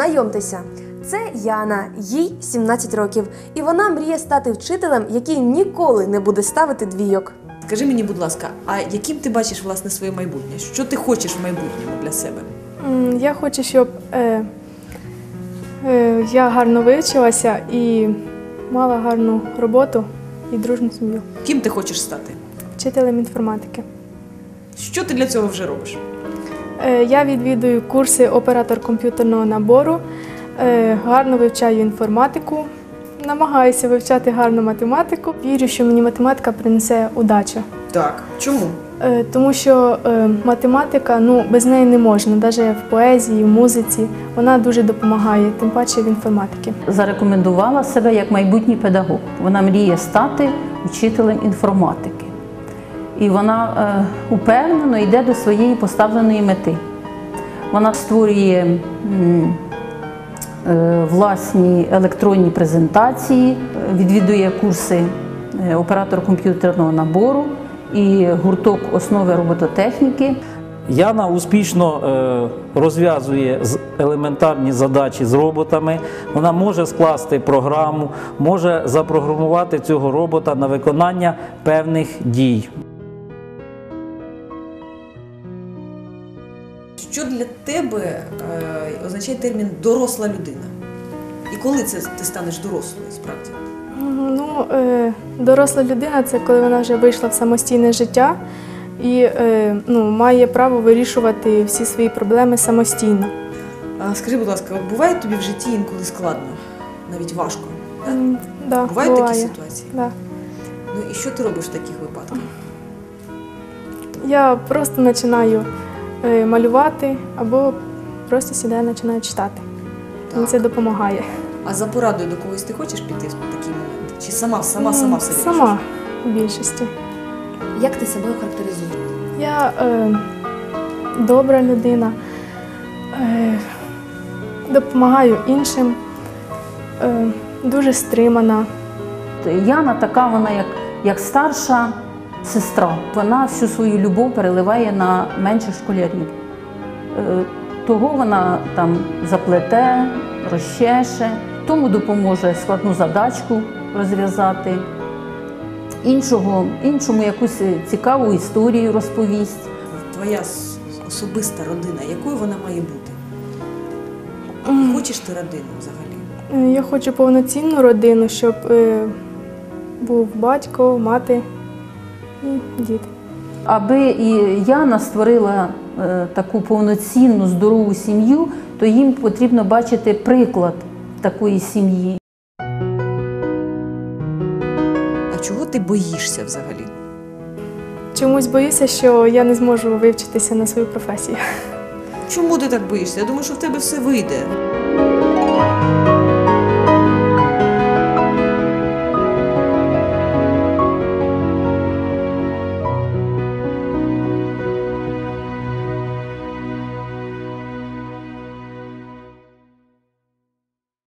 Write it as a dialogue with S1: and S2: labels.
S1: Знайомтеся, це Яна, їй 17 років, і вона мріє стати вчителем, який ніколи не буде ставити двійок.
S2: Скажи мені, будь ласка, а яким ти бачиш, власне, своє майбутнє? Що ти хочеш в майбутньому для себе?
S3: Я хочу, щоб я гарно вивчилася і мала гарну роботу і дружну сім'ю.
S2: Ким ти хочеш стати?
S3: Вчителем інформатики.
S2: Що ти для цього вже робиш?
S3: Я відвідую курси оператор комп'ютерного набору, гарно вивчаю інформатику, намагаюся вивчати гарну математику. Вірю, що мені математика принесе удачу.
S2: Так. Чому?
S3: Тому що математика, без неї не можна, навіть в поезії, в музиці. Вона дуже допомагає, тим паче в інформатиці.
S4: Зарекомендувала себе як майбутній педагог. Вона мріє стати вчителем інформатики. І вона упевнено йде до своєї поставленої мети. Вона створює власні електронні презентації, відвідує курси оператор комп'ютерного набору і гурток основи робототехніки.
S5: Яна успішно розв'язує елементарні задачі з роботами. Вона може скласти програму, може запрограмувати цього робота на виконання певних дій.
S2: Що для тебе означає термін «доросла людина»? І коли це ти станеш дорослою, справді?
S3: Доросла людина – це коли вона вже вийшла в самостійне життя і має право вирішувати всі свої проблеми самостійно.
S2: Скажи, будь ласка, от буває тобі в житті інколи складно, навіть важко?
S3: Да,
S2: Бувають такі ситуації?
S3: Да.
S2: І що ти робиш в таких випадках?
S3: Я просто починаю малювати або просто сідаю і починаю читати. Мені це допомагає.
S2: А за порадою до когось ти хочеш піти в такий момент? Чи сама все вирішуєш?
S3: Сама в більшості.
S1: Як ти себе охарактеризуєш?
S3: Я добра людина, допомагаю іншим, дуже стримана.
S4: Яна така, вона як старша сестра. Вона всю свою любов переливає на менших школярів. Того вона там заплете, розчеше, тому допоможе складну задачку розв'язати, іншому якусь цікаву історію розповість.
S2: Твоя особиста родина, якою вона має бути? Хочеш ти родину взагалі?
S3: Я хочу повноцінну родину, щоб був батько, мати і діти.
S4: Аби і Яна створила таку повноцінну, здорову сім'ю, то їм потрібно бачити приклад такої сім'ї.
S2: А чого ти боїшся взагалі?
S3: Чомусь боюся, що я не зможу вивчитися на свою професію.
S2: Чому ти так боїшся? Я думаю, що в тебе все вийде.